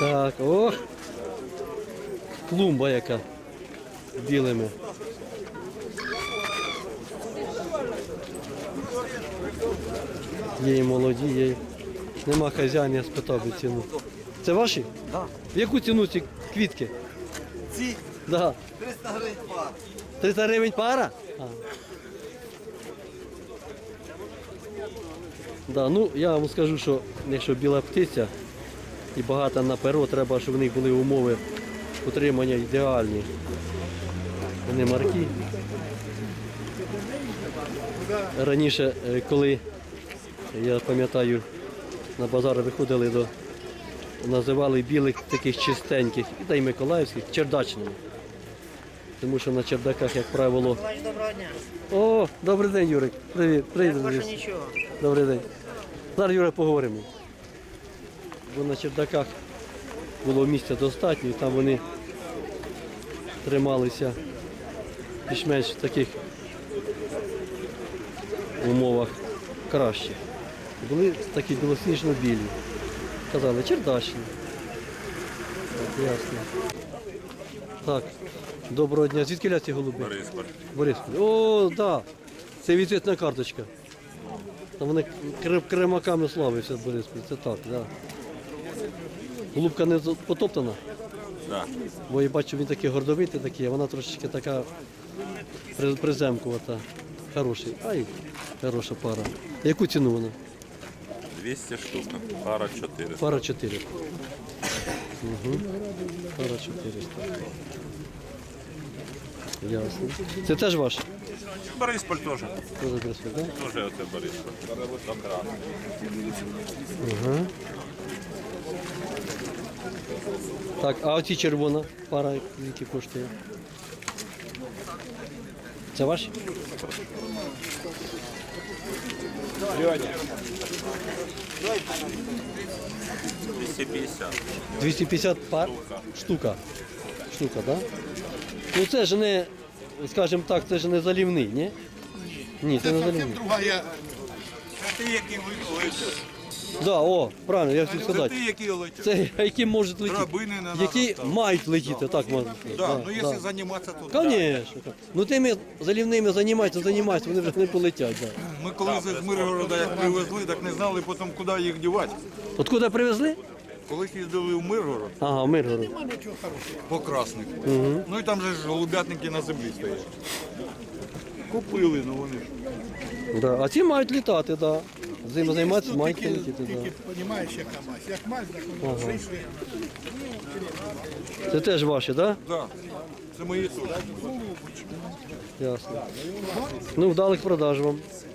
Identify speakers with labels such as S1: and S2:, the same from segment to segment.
S1: Так, ох. Клумба яка. Білими. Є і молоді, є. Нема хазяїна, я спитав би ціну. Це ваші?
S2: Так.
S1: В яку ціну ці квітки?
S2: Ці
S1: Да.
S2: 300 гривень пар.
S1: 300 гривень пара? А. Да, ну, я вам скажу, що якщо біла птиця і багато на перо, треба, щоб в них були умови утримання ідеальні. Вони марки. Раніше, коли, я пам'ятаю, на базар виходили називали білих таких чистеньких, та й миколаївських, чердачними. Тому що на чердаках, як правило...
S3: Доброго дня.
S1: О, добрий день, Юрик. Привіт. Привіт.
S3: Як ваше нічого?
S1: Добрий день. Зараз, Юра, поговоримо. Бо на чердаках було місця достатньо, і там вони трималися більш-менш в таких умовах краще. Були такі білосніжно-білі. Казали, чердачні. Так, ясно. Так, доброго дня. Звідки ляці голуби?
S4: Борисполь.
S1: Борисполь. О, так. Да. Це візитна карточка. Там вони кремаками славився Борисполь. Це так, так. Да. Голубка не потоптана?
S4: Да.
S1: Бо я бачу, він такий гордовитий такий, а вона трошечки така приземкувата. Хороший. Ай, хороша пара. Яку ціну вона?
S4: 200 штук. Пара 400.
S1: Пара 4. Угу. Пара 400. Ясно. Це теж ваш?
S4: Борисполь теж.
S1: Тоже Борисполь, так?
S4: Тоже оце Борисполь. Добра.
S1: Ага. Так, а оці червона пара, які коштує? Це ваші?
S4: Льоня. 250.
S1: 250 пар? Штука. Штука, так? Да? Ну це ж не, скажімо так, це ж не залівний, ні? Ні, це не залівний.
S2: Другая. Це ти, які летять.
S1: Да, о, правильно, я хотів
S2: Це
S1: сказати.
S2: ти, які летять.
S1: Це які можуть летіти.
S2: Драбини не надо
S1: Які
S2: ставити.
S1: мають летіти, так можна сказати.
S2: Да, ну якщо займатися, то да.
S1: Конечно. Ну тими залівними займаються, вони вже не полетять. Да.
S2: Ми коли з Миргорода як привезли, так не знали потім, куди їх дівати.
S1: Откуда привезли?
S2: Коли їздили в Миргород
S1: Ага, в Миргород.
S2: по красних. Ну і там же ж голубятники на землі стоять. Купили, ну вони ж.
S1: Да. А ці мають літати, так. Да. Зиму займатися, мають летіти. Да.
S5: Понімаєш, яка мазь. Як мазь, так воно прийшли.
S1: Це теж ваші, так?
S2: Да. Це мої тут.
S1: Да? Ясно. Ну, вдалих продаж вам.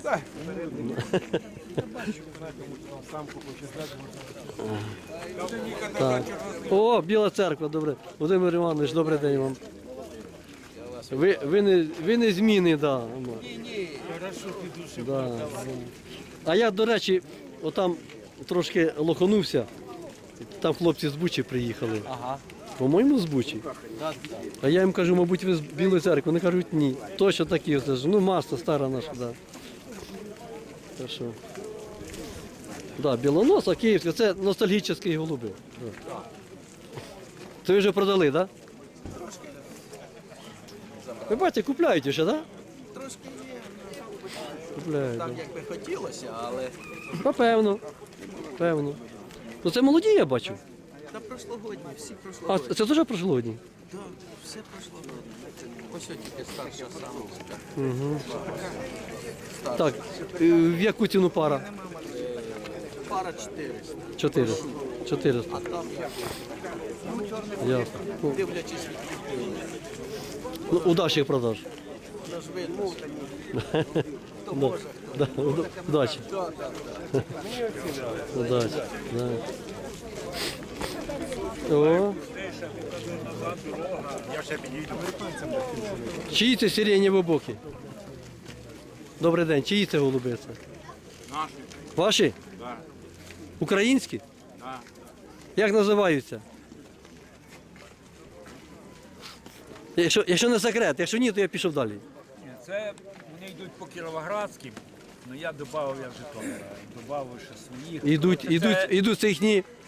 S1: Так. О, Біла церква, добре. Володимир Іванович, добрий день вам. Ви не зміни, да. Ні, хорошо, піду. Да. А я, до речі, отам трошки лоханувся. Там хлопці з Бучі приїхали. Ага. По-моєму, з Бучі. А я їм кажу, мабуть, ви з Білої церкви. Вони кажуть, ні. Точно такі. Ну, маса стара наша, так. Да. Так що. Да, білоноса, київська, це ностальгічні голуби. Да. Це ви вже продали, так? Да? Ви бачите, купляють ще, так? Да?
S6: Трошки є.
S1: Купляють.
S6: Так,
S1: Да.
S6: як би хотілося, але
S1: Певно. Певно. Ну це молоді, я бачу.
S6: та прошлогодні, всі
S1: А,
S6: прошлогодні.
S1: це теж прошлогодні?
S6: Так, все прошлогодні. Ось тільки старша самочка.
S1: Так, в яку ціну пара?
S6: Пара 400.
S1: 400. 400.
S6: А там як?
S1: Ясно. Ну,
S6: Дивлячись від людей.
S1: ну, удачі продаж.
S6: Тож видно, хто
S1: Да.
S6: може.
S1: Да. Удачі.
S6: Так, так, так.
S1: Удачі. Да. О. Чиї це сиренєві боки? Добрий день. Чиї це голуби? Це?
S4: Наші.
S1: Ваші?
S4: Да.
S1: Українські?
S4: Да.
S1: Як називаються? Якщо не секрет, якщо ні, то я пішов далі.
S7: Це вони йдуть по Кіровоградським, але я додав, я Житомира, додав ще своїх.
S1: Ідуть,
S7: Це
S1: ідуть це їхні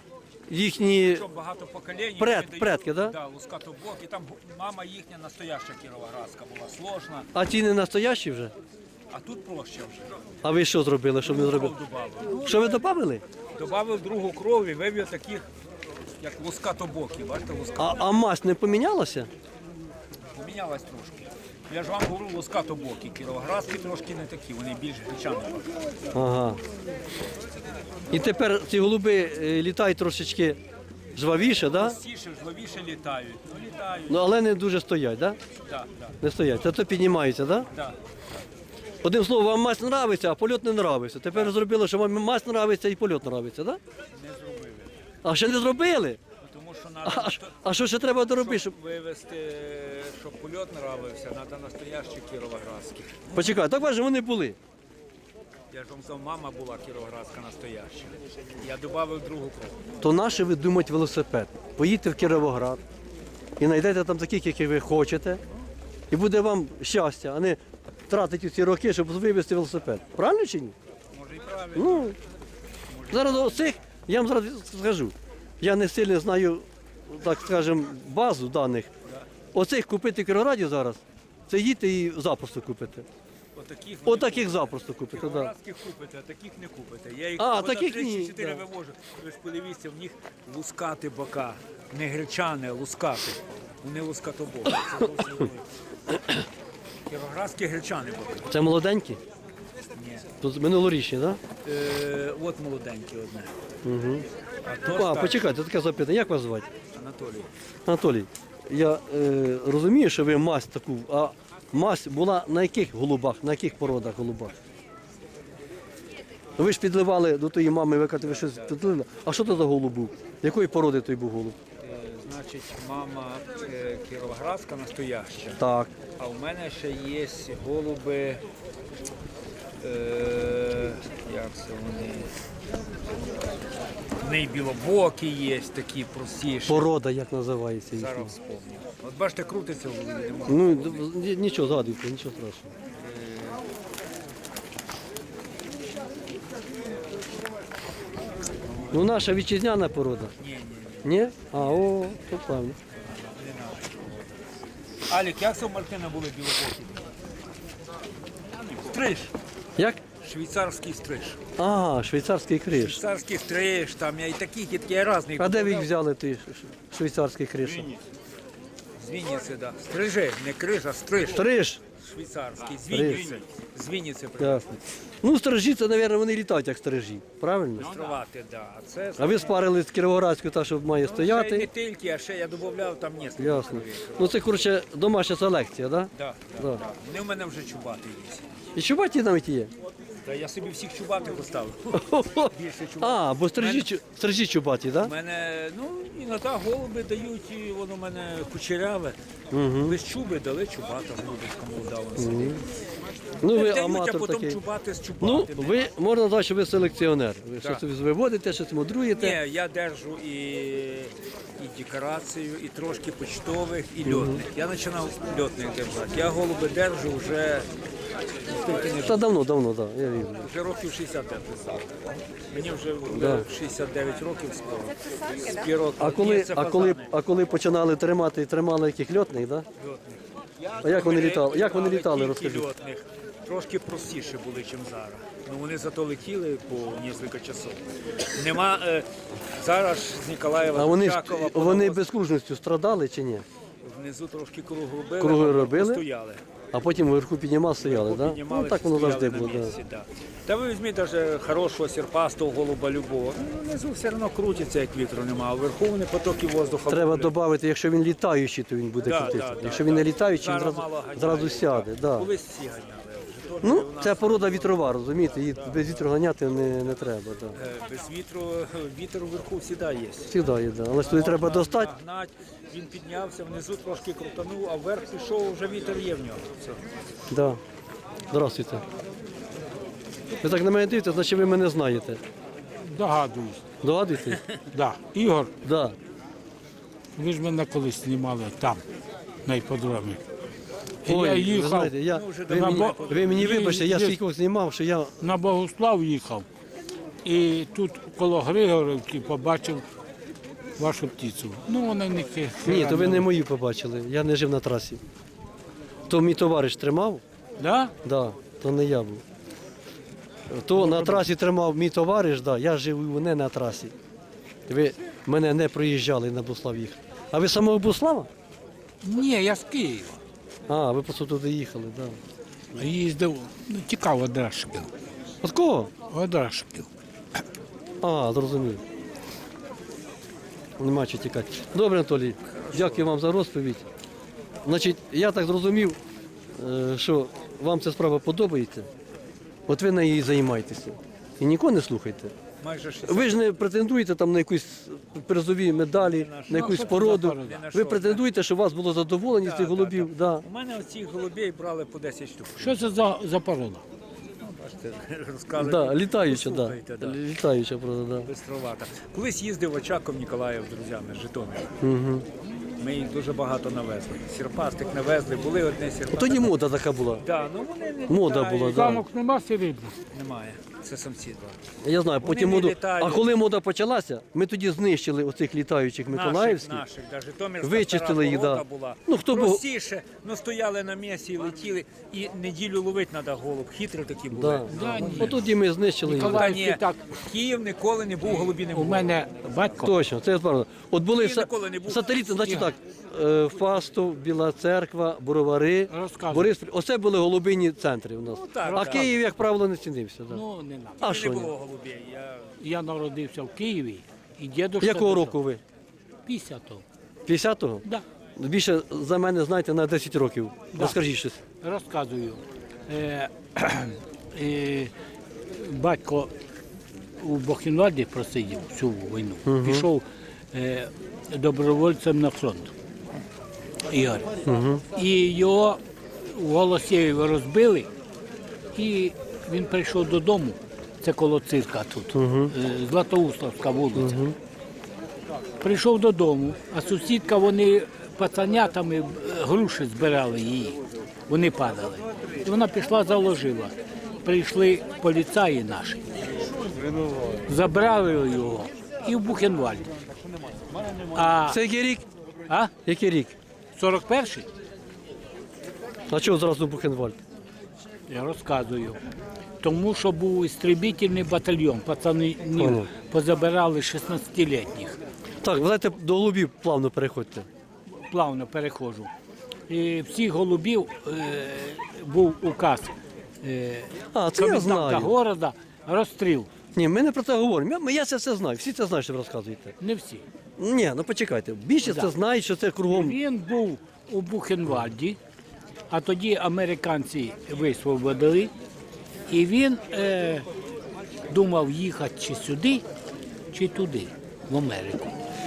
S1: їхні
S7: Що багато поколінь.
S1: предки, да?
S7: Да, лускатобокі. Там мама їхня настояща кіровоградська була, сложна,
S1: А ті не настоящі вже?
S7: а тут проще вже.
S1: А ви що зробили? Що ви зробили?
S7: Кров добавив.
S1: Що ви додали?
S7: Добавив другу кров і вивів таких, як лускатобокі. Бачите,
S1: А мазь не помінялася?
S7: помінялась трошки. Я ж вам говорю, лускатобокі. Кіровоградські трошки не такі, вони більш гречані.
S1: Ага. І тепер ці голуби літають трошечки жвавіше, да?
S7: Простіше, жвавіше літають. Ну, літають.
S1: Ну, але не дуже стоять, да?
S7: Да, да,
S1: Не стоять. Зато піднімаються, да?
S7: да.
S1: Одним словом, вам мазь нравиться, а польот не нравиться. Тепер зробили, що вам мазь нравиться і польот нравиться, да?
S7: Не зробили.
S1: А ще не зробили?
S7: Тому що
S1: А що ще треба доробити? Щоб...
S7: вивезти, щоб польот нравився, треба настоящі кіровоградські.
S1: Почекай, так бачиш, вони були.
S7: Я ж вам сказав, мама була кіровоградська настояща. Я додав другу кров.
S1: То наше ви думаєте велосипед. Поїдьте в Кіровоград і знайдете там таких, яких ви хочете, і буде вам щастя, а не тратити ці роки, щоб вивезти велосипед. Правильно чи ні?
S7: Може і правильно.
S1: Ну, зараз оцих, я вам зараз скажу, я не сильно знаю, так скажемо, базу даних. Оцих купити в Кіровограді зараз, це їдьте і запросто купите.
S7: Отаких
S1: Отаких запросто купите, так. Да.
S7: кіровоградських купите, а таких не купите. Я їх
S1: А,
S7: года
S1: таких
S7: 3
S1: ні,
S7: чи 4
S1: да.
S7: вивожу. Ви ж подивіться, в них лускати бока. Не гречани, а лускати. Вони лускатобоки. Це зовсім велике. Кіровоградські гречани боки.
S1: Це молоденькі?
S7: Ні.
S1: Тут минулорічні, так?
S7: От молоденькі одне.
S1: Угу.
S7: А то
S1: А,
S7: старші.
S1: почекайте, таке запитання, як вас звати?
S7: Анатолій.
S1: Анатолій, я розумію, що ви мазь таку, а мазь була на яких голубах, на яких породах голубах? Ви ж підливали до тої мами, ви кажете, ви щось підлили. А що це за голуб був? Якої породи той був голуб?
S7: Значить, мама кіровоградська настояща.
S1: Так.
S7: А у мене ще є голуби, як це вони? В неї білобокі є, такі простіші.
S1: Порода як називається їхня?
S7: Зараз вспомню. От бачите, крутиться в голові.
S1: Ну, нічого, згадуйте, нічого страшного. Ну, наша вітчизняна порода.
S7: Ні.
S1: Ні? А, о, то правильно.
S7: Алік, як це у Мартина були білобокі? Стриж.
S1: Як?
S7: Швейцарський стриж.
S1: Ага, швейцарський криш.
S7: Швейцарський стриж, там я і таких, і такі різні.
S1: А де ви їх взяли, ти швейцарський криш?
S7: З Вінниці, да. Стрижи, не криж, а стриж.
S1: Стриж.
S7: Швейцарський, з
S1: Стриж.
S7: Вінниці. З Вінниці
S1: Ясно. Ну, стрижі, це, мабуть, вони літають як стрижі, правильно?
S7: Приструвати, да. А це
S1: А ви спарили з Кіровоградською, та, що має
S7: ще й не
S1: стояти.
S7: тільки, а ще я додавав там несколько.
S1: Ясно. Ну, це, коротше, домашня селекція, так?
S7: Да,
S1: Да.
S7: да. Вони в мене вже чубати є.
S1: І чубаті навіть є?
S7: Та я собі всіх чубатих поставив. Більше чубатих.
S1: А, бо стрижі чубаті,
S7: У
S1: так?
S7: мене, ну, іноді голуби дають, і воно в мене кучеряве. Без чуби дали чубата, голубочка молода.
S1: Ну, ви
S7: Дають, а
S1: аматор
S7: потім
S1: такий.
S7: чубати з
S1: Ну,
S7: чубатими.
S1: ви, можна сказати, що ви селекціонер. Ви
S7: Так.
S1: щось виводите, щось мудруєте.
S7: Ні, я держу і декорацію, і трошки почтових, і льотних. Я починав льотних держати. Я голуби держу вже скільки не
S1: Та давно, так, я вірю.
S7: вже років 65 став. Мені вже
S1: Да.
S7: 69 років скоро. Спірок.
S1: А коли починали тримали яких льотних, так? А як вони літали? Як вони літали, розкажіть?
S7: Льотних. Трошки простіше були, ніж зараз. Ну вони зато летіли по кілька часов. Нема зараз з Ніколаєва
S1: А
S7: до
S1: вони,
S7: Чакова
S1: вони
S7: понавоз-
S1: безкружністю страдали чи ні?
S7: внизу трошки круг робили,
S1: Круги
S7: а
S1: робили?
S7: стояли.
S1: А потім вверху піднімав, стояли, так?
S7: Піднімали,
S1: Ну, так воно
S7: стояли
S1: завжди
S7: на
S1: було.
S7: місці, да. Та ви візьміть навіть хорошого серпастого голуба любого. Ну, внизу все одно крутиться, як вітру немає, а вверху вони потоки воздуха.
S1: Треба
S7: ловлять.
S1: додати, якщо він літаючий, то він буде
S7: Да,
S1: крутитися.
S7: да,
S1: Якщо
S7: да,
S1: він не
S7: да.
S1: літаючий, він
S7: Зараз мало ганяють,
S1: зразу сяде. Да.
S7: Колись всі ганяли. Вже теж
S1: Ну,
S7: у нас,
S1: це порода вітрова, розумієте, її без вітру ганяти не треба. Да.
S7: без вітру, вітер вверху завжди є.
S1: Всегда є, да. Але ж туди треба достати.
S7: Нагнать, він піднявся, внизу трошки крутанув, а вверх пішов, вже вітер є в нього. Все.
S1: Да. Здравствуйте. Ви так на мене дивитесь, значить ви мене знаєте.
S5: Догадуюсь.
S1: Догадуєте?
S5: Да. Ігор,
S1: Да.
S5: ви ж мене колись знімали там, на іпподромі. І
S1: Ой,
S5: я
S1: ви
S5: їхав
S1: знаєте, ви мені
S5: Є-
S1: вибачте, я
S5: є-
S1: стільки знімав, що я
S5: на Богослав їхав. І тут коло Григорівки побачив вашу птицю. Ну, вона не
S1: Ні, то ви не мою побачили. Я не жив на трасі. То мій товариш тримав,
S5: Да?
S1: да, то не я був. То на трасі тримав мій товариш, да, я жив не на трасі. Ви мене не проїжджали на Буслав їх. А ви з самого Буслава?
S5: Ні, я з Києва.
S1: А, ви просто туди їхали, так. Да.
S5: Їздив, ну, тікав Одрашків.
S1: От кого?
S5: Одрашків.
S1: А, зрозумів. Нема чого тікати. Добре, Анатолій, дякую вам за розповідь. Значить, я так зрозумів, що вам ця справа подобається. От ви нею і займаєтеся. І нікого не слухайте.
S7: Майже 60.
S1: Ви ж не претендуєте там на якісь призові медалі, на якусь породу. Ви претендуєте, щоб у вас було задоволення з цих голубів. Да.
S7: У мене оцих голубей брали по 10 штук.
S5: Що це за порода?
S7: Бачите, розказують.
S1: Да, літаюча, да.
S7: Послухайте, да.
S1: Літаюча, правда, да.
S7: Бистровата. Колись їздив Очаков Ніколаїв з друзями з Житомира.
S1: Угу.
S7: Ми їх дуже багато навезли. Сірпастик навезли, були одне сірпастик.
S1: Тоді мода така була.
S7: Да, ну вони не
S1: Мода
S7: літають.
S1: була, да.
S5: Самок нема серебряних.
S7: Немає. Це самці два.
S1: Я знаю, потім
S7: не
S1: моду.
S7: літають.
S1: А коли мода почалася, ми тоді знищили оцих літаючих миколаївських.
S7: Наших, да, Житомирська
S1: Вичистили їх,
S7: стара
S1: да.
S7: порода була.
S1: Ну, хто був-
S7: простіше, ну стояли на місці і летіли, і неділю ловити треба голуб. Хитрі такі були.
S1: Да.
S5: Да, ні.
S1: От тоді ми знищили їх.
S7: Та
S5: Ніколаївський
S7: ні,
S5: так.
S7: Київ ніколи не був, голубі не
S5: У
S7: було.
S5: мене батько.
S1: Точно, це правда. От були
S7: Київ ніколи не був.
S1: сателіти, значить так, Фастов, Біла Церква, Боровари,
S5: Розказуй.
S1: Бориспіль. Оце були голубині центри у нас.
S7: Ну, так,
S1: А
S7: так.
S1: Київ, як правило, не цінився. Да.
S5: Ну, не надо.
S1: А
S7: Не
S1: що ні?
S7: було голубей.
S5: Я народився в Києві, і дідусь.
S1: Якого року ви?
S5: 50-го.
S1: 50-го?
S5: Да.
S1: Більше за мене знаєте на 10 років. Розкажіть щось.
S5: Розказую. Е, батько у Бухенвальді просидів всю війну. Пішов добровольцем на фронт. Ігор. І його в Голосєві розбили, і він прийшов додому. Це коло цирка тут, Златоуславська вулиця. Прийшов додому, а сусідка, вони пацанятами груші збирали її. Вони падали. І вона пішла, заложила. Прийшли поліцаї наші, забрали його і в Бухенвальд. А,
S1: Це який рік?
S5: а?
S1: Який рік?
S5: 41-й?
S1: А чого зразу Бухенвальд?
S5: Я розказую. Тому що був істребітельний батальйон, пацанів
S1: Понял.
S5: позабирали 16-літніх.
S1: Так, ви знаєте, до голубів плавно переходьте.
S5: Плавно переходжу. І всіх голубів був указ
S1: А, це я
S5: коменданта
S1: знаю.
S5: города, розстріл.
S1: Ні, ми не про це говоримо. Я це все знаю. Всі це знають, що ви розказуєте.
S5: Не всі.
S1: Ні, ну почекайте. Більшість це знають, що це кругом.
S5: Він був у Бухенвальді, а тоді американці висвободили, і він думав їхати чи сюди, чи туди, в Америку.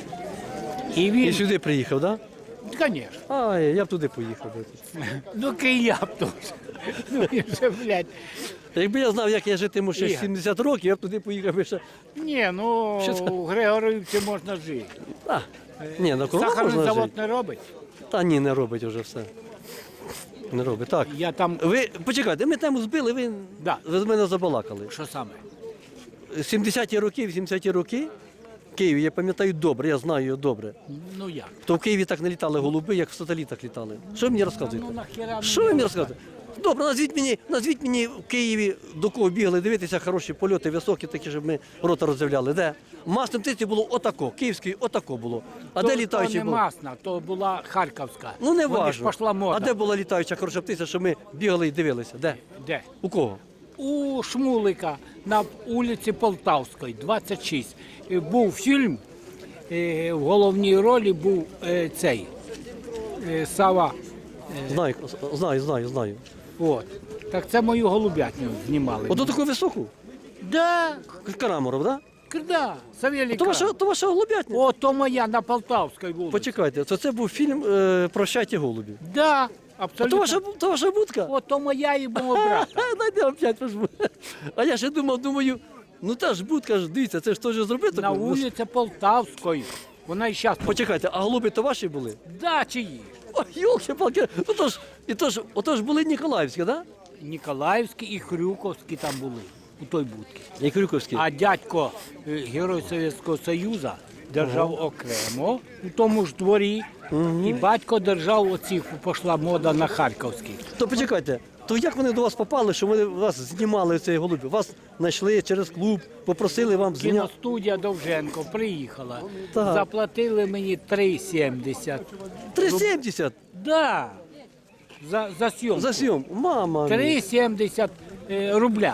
S5: І
S1: І
S5: він,
S1: сюди приїхав, так?
S5: звісно,
S1: Да? А, я б туди поїхав.
S5: ну я б теж. Ну він же, блядь.
S1: Якби я знав, як я житиму ще
S5: Ігор.
S1: 70 років, я б туди поїхав би ще.
S5: Ні, ну
S1: Що це?
S5: у Григорівці можна жити.
S1: А, ні, на кругом
S5: Сахарний
S1: можна
S5: завод
S1: жити.
S5: не робить.
S1: Та ні, не робить вже все. Не робить. Так.
S5: Я там,
S1: Ви почекайте, ми тему збили,
S5: Да.
S1: ви з мене забалакали.
S5: що саме?
S1: 70-ті роки, 80-ті роки в Києві, я пам'ятаю добре, я знаю його добре.
S5: Ну як?
S1: То в Києві так не літали голуби, як в сателітах літали. Що ви мені розказуєте?
S5: Ну нахіра
S1: Що ви мені розказуєте? Добре, назвіть мені в Києві, до кого бігали дивитися, хороші польоти, високі, такі, щоб ми рота роззявляли. Де? Масним птиці було отако, київський отако було. А де літаючий
S5: то не
S1: був?
S5: масна, то була Харківська.
S1: Ну не
S5: Вони ж
S1: важно.
S5: пішла мода.
S1: А де була літаюча хороша птиця, що ми бігали і дивилися? Де?
S5: Де?
S1: У кого?
S5: У Шмулика на вулиці Полтавської, 26. Був фільм, в головній ролі був цей Сава.
S1: Знаю.
S5: От. Так це мою голубятню знімали.
S1: Ото таку високу?
S5: Да,
S1: Караморов, так?
S5: да, Савелій
S1: То ваша голубятня?
S5: О, то моя на Полтавській вулиці.
S1: Почекайте, це був фільм «Прощайте голубі».
S5: Да,
S1: А
S5: абсолютно.
S1: то ваша будка?
S5: О, то моя і мого брата.
S1: Дайте опять пожму. А я ще думаю, ну та ж будка ж, дивіться, це ж теж зробити.
S5: На вулиці Полтавської. Вона і зараз.
S1: Почекайте, а голуби то ваші були?
S5: Да, чиї?
S1: Ой, йолки-палки, отож були Ніколаївські, так?
S5: Ніколаївські і Хрюковські там були у той будці.
S1: І Крюковські.
S5: А дядько, герой Совєтського Союзу, держав окремо у тому ж дворі, і батько держав оці, пішла мода на харківських.
S1: То почекайте, то як вони до вас попали, що вони вас знімали цей голубів? Вас знайшли через клуб, попросили вам зняти.
S5: Кіностудія Довженко приїхала,
S1: Так.
S5: заплатили мені 3,70.
S1: 3,70
S5: Да, за зйомку.
S1: за зйом. Мама. мія.
S5: 3,70 рубля.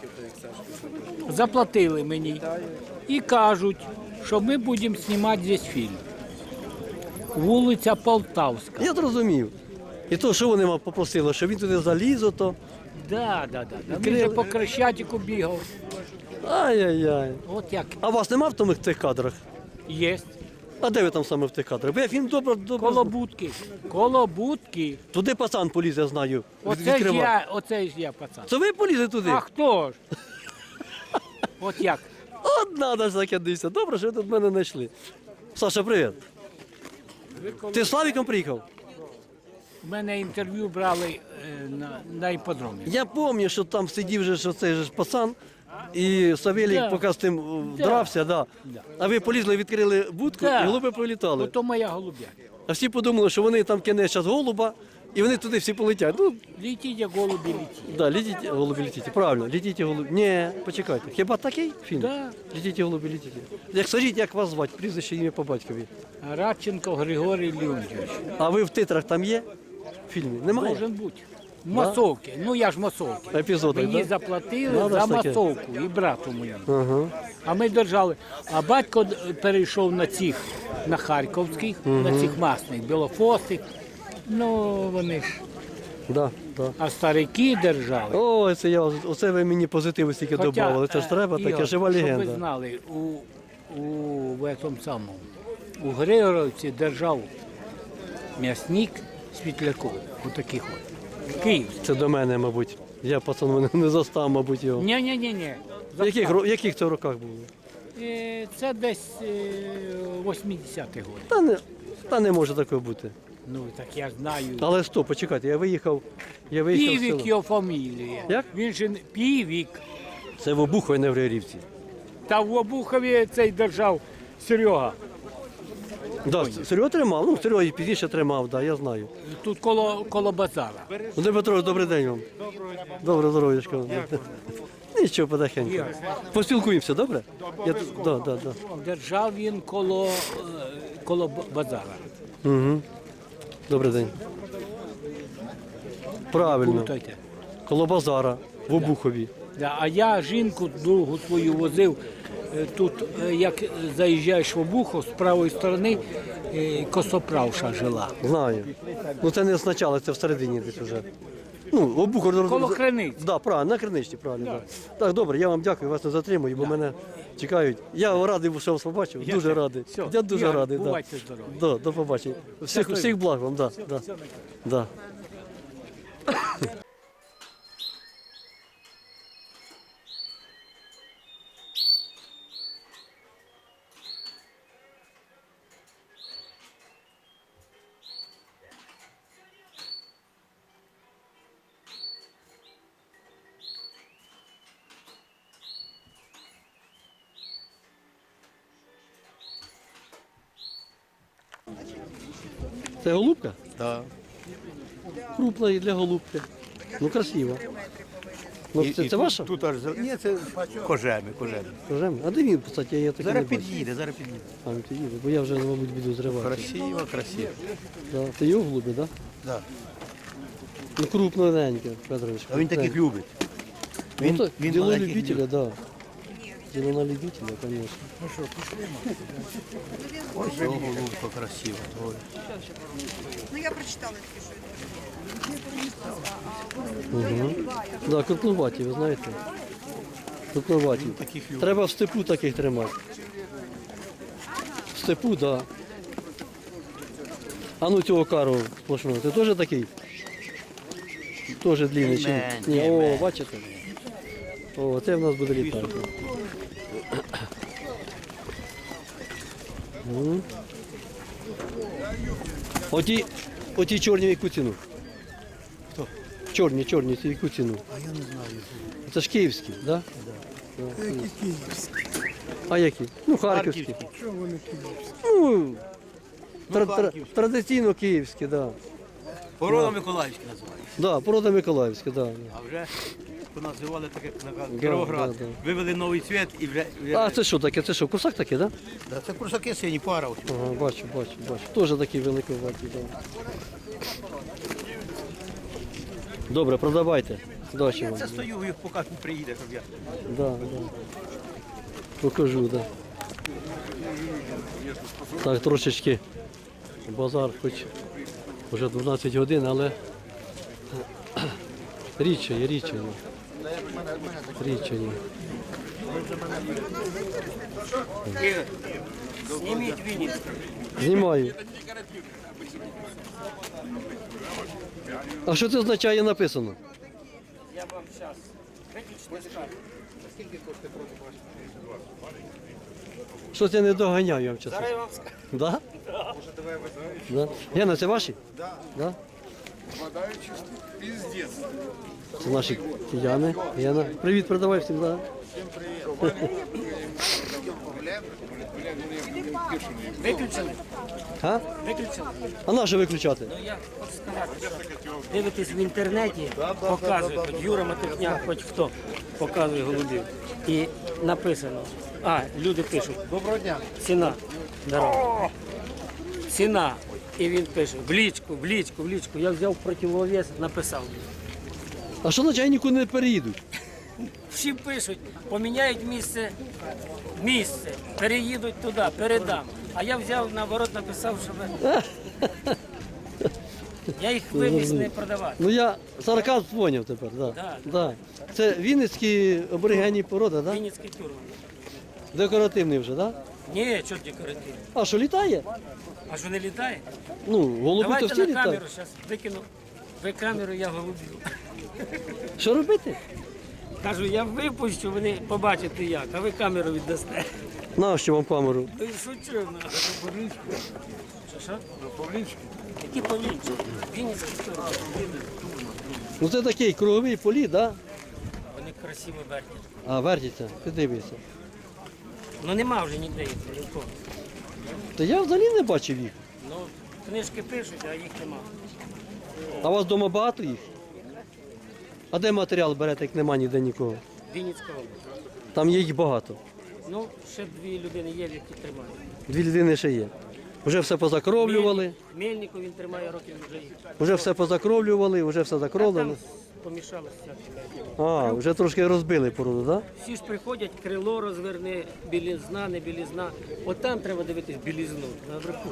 S5: Заплатили мені і кажуть, що ми будемо знімати здесь фільм. Вулиця Полтавська.
S1: Я зрозумів. І то, що вони вам попросили, що він туди заліз, ото.
S5: Да. Він же по Крещатику бігав.
S1: Ай-яй-яй.
S5: От як
S1: А вас нема в тих кадрах?
S5: є.
S1: А де ви там саме в тих кадрах? Бо я фільм добре.
S5: Коло будки. Коло будки.
S1: Туди пацан поліз, я знаю.
S5: Оце ж я, пацан.
S1: Це ви полізли туди?
S5: А хто ж? От як?
S1: От надо ж закидатися. Добре, що ви тут мене знайшли. Саша, привіт. Ти з Славіком приїхав?
S5: У мене інтерв'ю брали на іпподромі.
S1: Я пам'ятаю, що там сидів же, що цей же ж пацан, і Савелій
S5: Да.
S1: поки з тим дрався, да. А ви полізли, відкрили будку,
S5: Да.
S1: і голуби політали.
S5: Ото моя голуб'я.
S1: А всі подумали, що вони там кине зараз голуба, і вони туди всі полетять. Ну,
S5: Літіть, як голубі літіть.
S1: да, літіть, голубі, літіть. Правильно, літіть, голубі. Ні, почекайте. Хіба такий фільм?
S5: Да.
S1: Літіть, голубі, літіть. Як скажіть, як вас звати, прізвище, ім'я по батькові.
S5: Радченко Григорій Леонтьович.
S1: А ви в титрах там є? В фільмі? Немає?
S5: Должен бути. Масовки. Ну я ж масовки.
S1: Епізоди,
S5: Мені
S1: да?
S5: заплатили
S1: Надо
S5: за
S1: ж таке.
S5: масовку і брату моєму.
S1: Ага.
S5: А ми держали. А батько перейшов на цих, на харківських, на цих масних, білофосих. Ну вони ж.
S1: Да, да.
S5: А старики держали.
S1: Ой, оце ви мені позитиву стільки додавали. Це ж треба, таке
S5: Ігор,
S1: жива
S5: Щоб ви
S1: легенда.
S5: знали, в этом самому, у Григоровці держав м'ясник Світляков. Отаких от. Київ.
S1: Це до мене, мабуть. Я пацан не застав, мабуть, його.
S5: Ні.
S1: В яких це роках було?
S5: Це десь 80-ті роки.
S1: Та не може такого бути.
S5: Ну, так я знаю.
S1: Але стоп, почекайте, я виїхав з
S5: Півік
S1: села.
S5: його фамілія.
S1: Як?
S5: Він же Півік.
S1: Це в Обухові, не в Григорівці.
S5: Та в Обухові цей держав Серега.
S1: Да, Серега тримав, ну Серега і пізніше тримав, да, я знаю.
S5: Тут коло базара.
S1: Володимир Петрович, добрий день вам. Доброго здоров'ячка. Нічого, потихеньку. Поспілкуємося, добре? Да.
S5: Держав він коло базара.
S1: Угу. Добрий день. Правильно.
S5: Плутайте.
S1: Коло базара, в Обухові.
S5: Да, а я жінку другу свою возив. Тут, як заїжджаєш в Обухов, з правої сторони косоправша жила.
S1: Знаю. Ну це не спочатку, це всередині десь вже. Ну, Обухов.
S5: Коло Криниць.
S1: Да, правильно, на Криничці, правильно. Да. Так, добре, я вам дякую, вас не затримую, бо мене чекають. Я радий, що вас побачив, дуже радий.
S5: Все,
S1: Я дуже
S5: Ігор,
S1: радий.
S5: бувайте здорові.
S1: Да, до побачення. Всіх благ вам, да. Да. Це голубка?
S3: Да.
S1: Крупна і для голубки. Ну, красиво. Ну, це ваша?
S3: Тут аж ні, це кожеми.
S1: Скажемо. А де він, кстати, я так і не
S3: Зараз
S1: бачу.
S3: під'їде.
S1: А, він під'їде, бо я вже, мабуть, буду зривати.
S3: Красиво.
S1: Да. Це його голуби, так? Да?
S3: Да.
S1: Ну, крупненьке, Федорович.
S3: А він таких любить.
S1: Ну, так,
S3: він
S1: діло
S3: маленьких
S1: любителя, да. Діло на любителя, конечно.
S3: Ось його голубка красива. Ой.
S8: Ну я прочитала тільки, що
S1: Угу. Да, крупноваті, ви знаєте. Крупноваті. Треба в степу таких тримати. В степу, так. Да. А ну цього кару сплошного, ти теж такий? Теж длинний чи ні? Ні, о, бачите? О, це в нас буде літати. Мгм. Оті чорні в яку ціну? Хто? Чорні, це в яку ціну? А я не знаю. Це ж київські, так? Да? Да. А які? Ну, харківські. Ну, традиційно київські, так. Да.
S3: Порода Миколаївська називається.
S1: Да, порода Миколаївська, да.
S3: А вже поназивали так, як на Кіровоград.
S1: да.
S3: Вивели новий цвіт і вже...
S1: А це що таке? Це що, кусак такий, так? Да?
S3: Да, це курсаки сині, пара. ось.
S1: Ага, бачу. Теж такий великоватий, да. Добре, продавайте. Удачі
S3: Я
S1: вам.
S3: це стою, їх поки не приїде, щоб я...
S1: Да. Покажу, да. Так, трошечки базар, хоч вже 12 годин, але рідчає.
S6: Зніміть Вінницьку.
S1: Знімаю. А що це означає написано?
S6: Я вам зараз. Виключно скажу.
S1: Щось я не доганяю, я вам чесно.
S6: Зараз я вам скажу.
S1: Да? Да. Яна, це ваші? Да. Це наші кияни. Яна. Привіт, передавай всім, да.
S6: Виключили?
S1: А?
S6: Виключили?
S1: А на що виключати?
S6: Ну я хочу сказати, що дивитесь в інтернеті, показує, хоч Юра Матихняк, хоч хто показує голубів. І написано, люди пишуть. Доброго дня. Ціна. Здорово. Ціна. І він пише, в лічку. Я взяв противовес, написав.
S1: А що означає, нікуди не переїдуть?
S6: Всі пишуть, поміняють місце, переїдуть туди, передам. А я взяв, наоборот, написав, щоб я їх вивіз не продавати.
S1: Ну я сарказм поняв тепер, да.
S6: Да.
S1: Да. Це вінницькі аборигенні породи, да?
S6: Вінницький тюрман.
S1: Декоративний вже, да?
S6: Ні, що декоративний.
S1: А що літає?
S6: А що не літає?
S1: Ну, голуби то
S6: Давайте
S1: всі
S6: на
S1: літають.
S6: камеру, зараз викину. Ви камеру, я голубів.
S1: Що робити?
S6: Кажу, я випущу, вони побачите як, а ви камеру віддасте.
S1: Нащо вам камеру?
S6: Ну, шучу. Що? Які Павлінчики? Вінницький тюрман.
S1: Ну це такий круговий політ, да?
S6: Вони красиво вертять.
S1: А, вертиться, ти дивишся.
S6: Ну нема вже ніде їх, нікого.
S1: Та я взагалі не бачив їх.
S6: Ну, книжки пишуть, а їх нема.
S1: А у вас вдома багато їх? А де матеріал берете, як нема ніде нікого?
S6: Вінницька область.
S1: Там є їх багато.
S6: Ну, ще 2 людини є, які тримають.
S1: 2 людини ще є. Вже все позакровлювали,
S6: Мельнику він тримає років вже їх.
S1: вже все позакровлювали, вже все
S6: Там
S1: закровлено.
S6: помішалося всяке.
S1: А, вже трошки розбили породу, так? Да?
S6: Всі ж приходять, крило розверни, білізна, не білізна. От там треба дивитись білізну, наверху.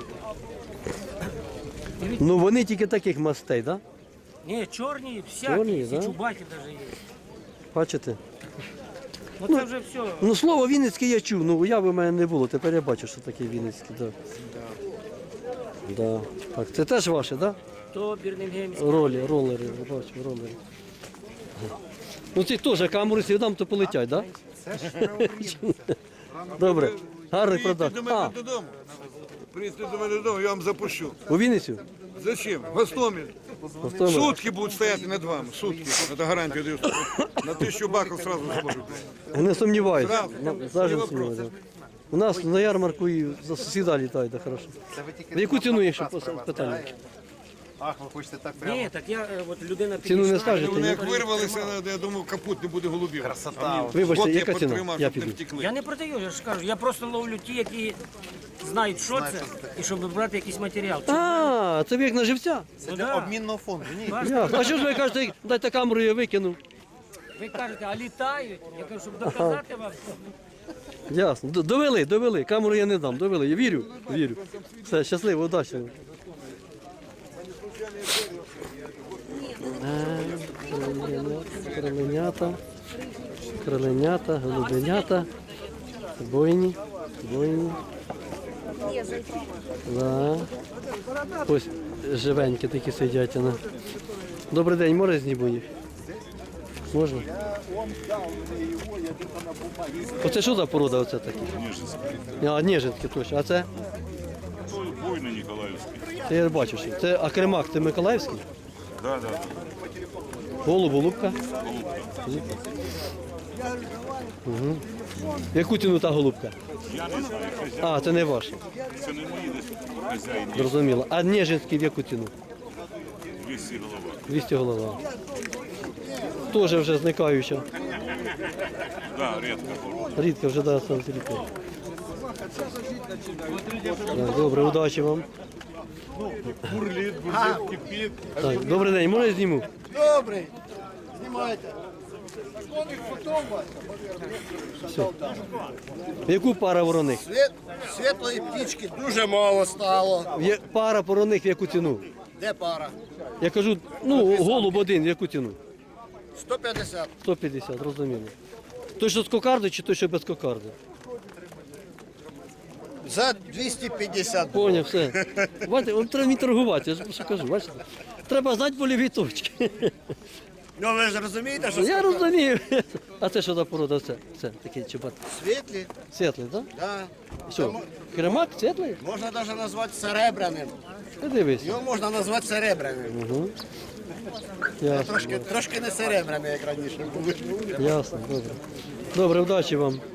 S1: Ну вони тільки таких мастей, так? Да?
S6: Ні, чорні, всякі,
S1: Чорні,
S6: всі
S1: да?
S6: чубаті навіть є.
S1: Бачите?
S6: Ну це вже все.
S1: Ну слово Вінницький я чув, ну уяви в мене не було, тепер я бачу, що таке Вінницький, так. Да. Так, це теж ваше, так? Да?
S6: То бірнингемський.
S1: Ролери, я бачу, ролери. Ну ці теж камеру сідам, то полетять, так? Да? Добре, гарний продаж. А,
S2: додому. Приїдьте до мене додому, я вам запущу.
S1: у Вінницю?
S2: Зачем? Гостомель.
S1: Гостомель.
S2: Сутки будуть стояти над вами. Сутки. Це гарантія даю. На 1000 баків сразу зможу.
S1: Не сумніваюся.
S2: Зразу.
S1: Завжди
S2: Не
S1: не сумніваюся. У нас на ярмарку і за сусіда літають, так хорошо. В яку ціну, якщо питання?
S3: Ах, ви хочете так прямо?
S6: Ні, так я, от людина
S1: Ціну не
S6: підійшла,
S1: скажете,
S2: Вони
S1: ні?
S2: як вирвалися, я думав, капут не буде голубів.
S3: Красота.
S1: Вибачте,
S2: От я
S1: яка ціна?
S2: потримав,
S1: Я
S2: щоб не
S1: піду.
S2: втекли.
S6: Я не продаю, я ж кажу, я просто ловлю ті, які знають, що це, і щоб брати якийсь матеріал.
S1: А, це ви як на живця?
S6: Ну, да.
S3: Обмінного фонду, ні.
S1: Ясно. А що ж ви кажете, дайте камеру, я викину?
S6: Ви кажете, а літають? Я кажу, щоб доказати вам.
S1: Ясно. Довели. Камеру я не дам, довели. Я вірю. Все, щасливо, удачі. Кроленята, голубенята, бойні. Да. Ось живенькі такі сидять. Добрий день, можна зніму їх? Можна? Оце що за порода оце такі? А, Ніжинські точно. А це?
S4: Бойний Ніколаївський.
S1: Це я бачу, що. Це Акремак, це Миколаївський?
S4: Да.
S1: Голуб, голубка. Угу. Яку ціну та голубка?
S4: Я не знаю, хазяїн.
S1: А, це не ваша.
S4: Це не мої десь хазяїн. є.
S1: Зрозуміло. А Нежинський в яку ціну?
S4: 200 голова.
S1: 200 голова. Теж вже зникаюча.
S4: Да, рідко порода.
S1: Рідко вже да, сам рідко. Так, добре, удачі вам. Так, добрий день, можна я зніму?
S3: Добрий. Знімайте.
S1: Все. Яку пара вороних?
S3: Світлої птічки дуже мало стало.
S1: Пара вороних в яку ціну?
S3: Де пара?
S1: Я кажу, ну, голуб один, в яку ціну?
S3: 150.
S1: 150, розуміло. Той, що з кокарди, чи той, що без кокарди?
S3: За 250.
S1: Поняв, все. Бачите, от треба мені торгувати, я ж що кажу, бачите? Треба знати больові точки.
S3: Ну ви ж розумієте, що
S1: Я розумію. А це що за порода? Це такий чубат.
S3: світлі?
S1: Світлий, так?
S3: Да.
S1: Що, кремак світлий?
S3: Можна навіть назвати серебряним.
S1: Ти дивись.
S3: Його можна назвати серебряним.
S1: Угу. Ясно,
S3: Трошки не серебряним, як раніше були.
S1: ясно, добре. Добре, удачі вам.